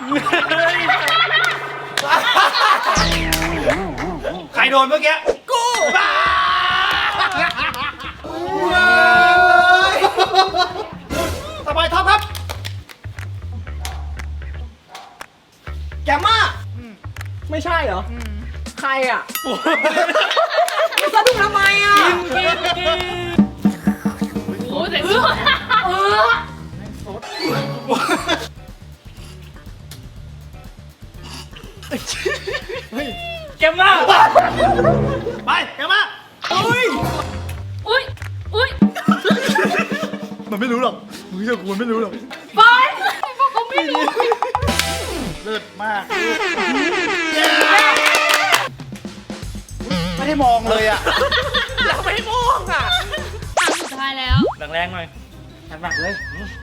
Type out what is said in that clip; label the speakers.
Speaker 1: ใครโดนเมื่อกี้กูบ้าสบายท็อปครับแกมมาไม่ใช่เหรอใครอ่ะสะดุ้งทำไมอ่ะ
Speaker 2: โอ้แต่
Speaker 1: แกมมาไปแกมมาอุ้ย
Speaker 2: อุ้ยอุ้ย
Speaker 1: มันไม่รู้หรอกมึงเชื่อกูมันไม่รู้หรอก
Speaker 2: ไปเขาไม่รู้
Speaker 1: เลิศมากไม่ได้มองเลยอ่ะเราไม่มองอ่ะ
Speaker 2: ครั้งสุดท้ายแล้ว
Speaker 1: แรงๆหน่อยหนักๆเลย